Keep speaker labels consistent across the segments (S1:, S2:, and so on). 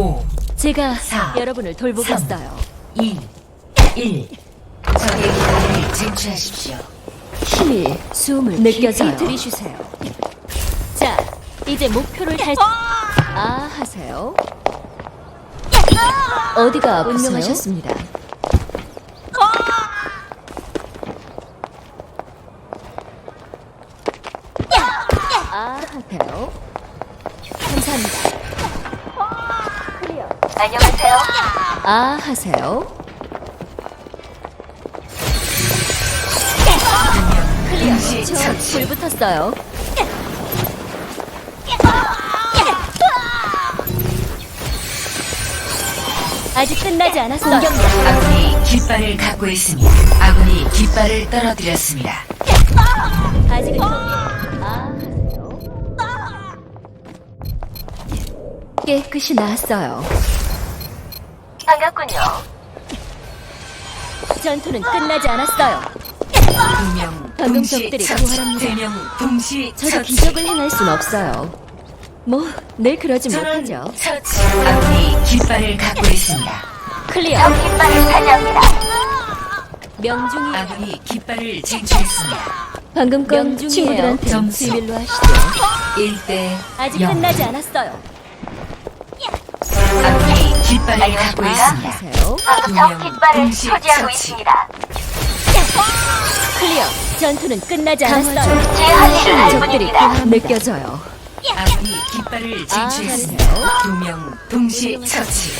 S1: 5,
S2: 제가
S1: 4,
S2: 여러분을 돌보겠어요.
S1: 2, 1. 적의 기회를 쟁취하십시오.
S2: 힘이 숨을 느껴져요. 들이쉬세요. 자, 이제 목표를 하세요. 어디가 아프세요? 운명하셨습니다. 하세요. 감사합니다.
S3: 안녕하세요.
S2: 하세요.
S1: 동시
S2: 저
S1: 처치.
S2: 불 붙었어요. 아직 끝나지 않았어요.
S1: 아군이 깃발을 갖고 있습니다. 아군이 깃발을 떨어뜨렸습니다.
S2: 아직은 하세요. 깨끗이 나았어요.
S3: 반갑군요.
S2: 전투는 끝나지 않았어요.
S1: 2명
S2: 방금
S1: 동시
S2: 적들이
S1: 처치.
S2: 부활합니다.
S1: 3명 동시
S2: 저도
S1: 처치.
S2: 기적을 행할 순 없어요. 뭐, 늘 그러지
S1: 전원
S2: 못하죠.
S1: 처치. 아군이 깃발을 갖고 있습니다.
S2: 클리어.
S3: 적 깃발을 차지합니다.
S2: 명중이
S1: 아군이 깃발을 쟁취했습니다.
S2: 방금 건
S1: 명중이에요.
S2: 친구들한테
S1: 점수.
S2: 비밀로 하시죠.
S1: 1대
S2: 아직
S1: 0.
S2: 끝나지 않았어요.
S1: 아군이 깃발을 갖고 있습니다.
S2: 하세요.
S3: 방금 적 깃발을 소지하고 있습니다.
S2: 클리어. 전투는 끝나지 않았어요.
S3: 제 할 일을 할
S2: 적들이
S3: 뿐입니다.
S2: 느껴져요.
S1: 아군이 깃발을 쟁취했습니다.
S2: 하세요.
S1: 2명 동시 처치.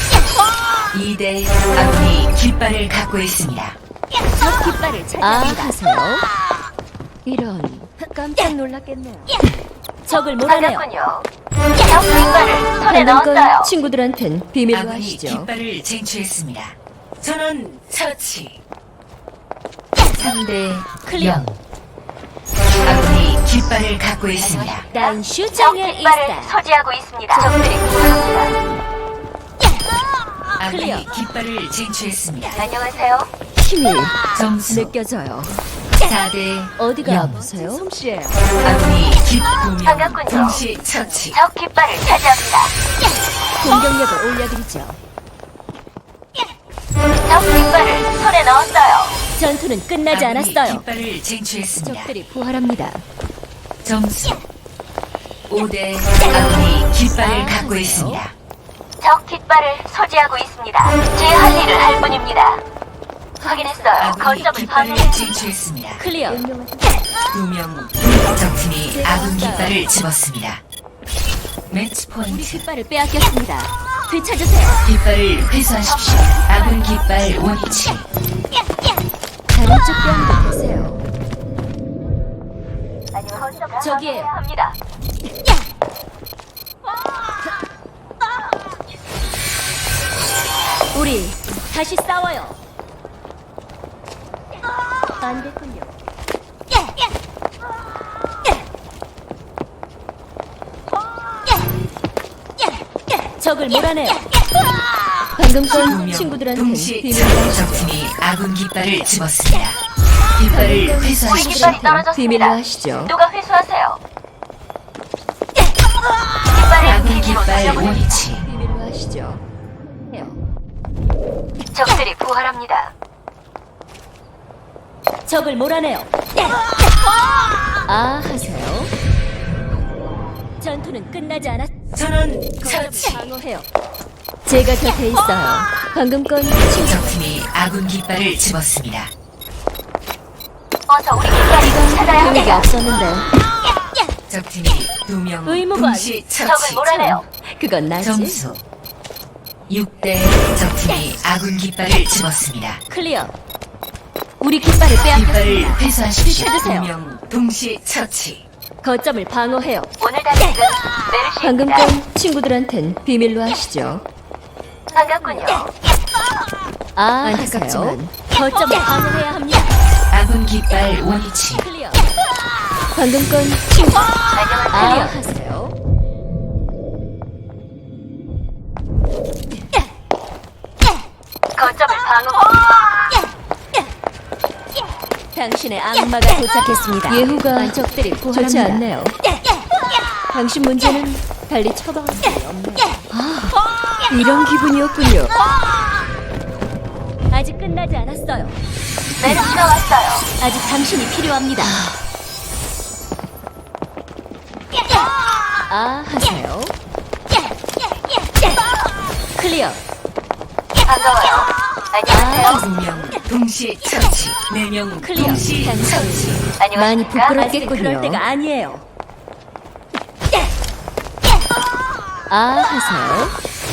S1: 2대 아군이 깃발을 갖고 있습니다.
S2: 적 깃발을 차지합니다. 하세요. 이런 깜짝 놀랐겠네요. 적을 몰아내요.
S3: 반갑군요. 적 깃발을 손에
S2: 방금
S3: 넣었어요.
S2: 건 친구들한텐 비밀로
S1: 아군이
S2: 하시죠.
S1: 깃발을 쟁취했습니다. 전원 처치. 3대
S2: 클리어.
S1: 0. 아군이 깃발을 갖고 있습니다.
S2: 난
S3: 적
S2: 슈장의
S3: 깃발을
S2: 이스타.
S3: 소지하고 있습니다. 적들이 구합니다.
S2: 클리어.
S1: 아군이 깃발을 쟁취했습니다.
S3: 안녕하세요.
S2: 힘이
S1: 점수
S2: 느껴져요.
S1: 4대
S2: 어디가
S1: 영.
S2: 아프세요? 솜씨예요.
S1: 아군이 깃2명
S3: 반갑군요.
S1: 동시 처치.
S3: 적 깃발을 차지합니다.
S2: 공격력을 올려드리죠.
S3: 적 깃발을 손에 넣었어요.
S2: 전투는 끝나지
S1: 아군이
S2: 않았어요.
S1: 깃발을 쟁취했습니다.
S2: 적들이 부활합니다.
S1: 점수 5대 아군이 깃발을 갖고
S2: 하세요.
S1: 있습니다.
S3: 적 깃발을 소지하고 있습니다. 제 할 일을 할 뿐입니다. 확인했어요.
S1: 아군이
S3: 거점을
S1: 깃발을
S3: 방어해.
S1: 쟁취했습니다.
S2: 클리어.
S1: 2명 적팀이 아군 깃발을 집었습니다. 매치
S2: 우리
S1: 포인트.
S2: 깃발을 빼앗겼습니다. 되찾으세요.
S1: 깃발을 회수하십시오. 아군 깃발 원위치.
S2: 다른 쪽 뼈도 되세요.
S3: 거점을
S2: 저기에요.
S3: 방어해야 합니다.
S2: 우리 다시 싸워요. 안 됐군요. 적을 몰아내요. 방금 건
S1: 2명
S2: 친구들한테
S1: 동시
S2: 비밀로 하시죠.
S1: 적팀이 아군 깃발을 집었습니다. 깃발을 회수하십시오.
S3: 깃발이 떨어졌습니다.
S2: 비밀로 하시죠.
S3: 누가 회수하세요? 깃발을
S1: 아군
S3: 기지로
S1: 깃발
S3: 돌려보냅니다.
S1: 원위치.
S2: 비밀로 하시죠. 해요.
S3: 적들이 부활합니다.
S2: 적을 몰아내요. 하세요. 전투는 끝나지 않았.
S1: 전원
S2: 거점을
S1: 처치.
S2: 방어해요. 제가 곁에 있어요. 방금 건 친구.
S1: 적팀이 아군 깃발을 집었습니다.
S3: 어서 우리 깃발을 찾아야
S2: 분위기
S3: 합니다.
S2: 없었는데
S1: 적팀이 2명
S2: 의무관.
S1: 동시
S3: 적을
S1: 처치.
S3: 몰아내요.
S2: 그건 나지.
S1: 점수 6대 적팀이 아군 깃발을 집었습니다.
S2: 클리어. 우리 깃발을
S1: 깃발을
S2: 빼앗겼습니다.
S1: 회수하십시오.
S2: 되찾으세요.
S1: 2명 동시 처치.
S2: 거점을 방어해요.
S3: 오늘 단식은
S2: 방금
S3: 메르시입니다.
S2: 건 친구들한텐 비밀로 하시죠.
S3: 반갑군요.
S2: 안타깝지만 거점을 방어해야 합니다.
S1: 아군 깃발 원위치.
S2: 클리어. 방금 건 친구.
S3: 안녕하세요.
S2: 하세요.
S3: 거점을 방어.
S2: 당신의 악마가 도착했습니다. 예후가 적들이 좋지 않네요. 당신 문제는 달리 처방할 수 없네요. 이런 기분이었군요. 아직 끝나지 않았어요.
S3: 메르시가 왔어요.
S2: 아직 당신이 필요합니다. 아, 하세요. 클리어.
S3: 반가워요. 안녕하세요.
S2: 아,
S1: 2명 동시에 처치. 4명
S2: 클리어.
S1: 동시에 처치.
S2: 많이
S3: 안녕하십니까?
S2: 부끄럽겠군요.
S3: 아직은
S2: 그럴 때가 아니에요. 아, 하세요.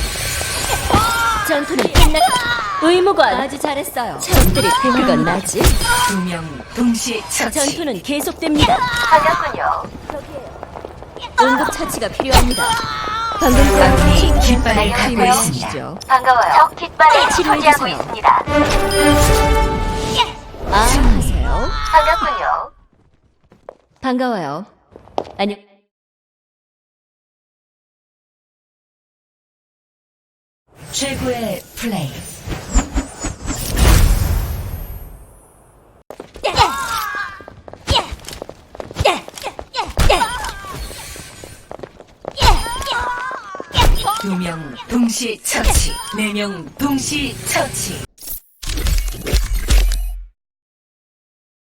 S2: 전투는 끝났. 의무관. 아주 잘했어요. 적들이 그건 나지.
S1: 2명 동시에 처치.
S2: 전투는 계속됩니다.
S3: 반갑군요.
S2: 응급 처치가 필요합니다. 방금
S1: 아군이 깃발을 갖고
S2: 힘을
S1: 있습니다.
S2: 주시죠.
S3: 반가워요. 적 깃발을
S2: 치료해주세요.
S3: 소지하고 있습니다.
S2: 아, 하세요.
S3: 반갑군요.
S2: 반가워요. 안녕.
S1: 최고의 플레이. 두 명 동시 처치. 4명 동시 처치.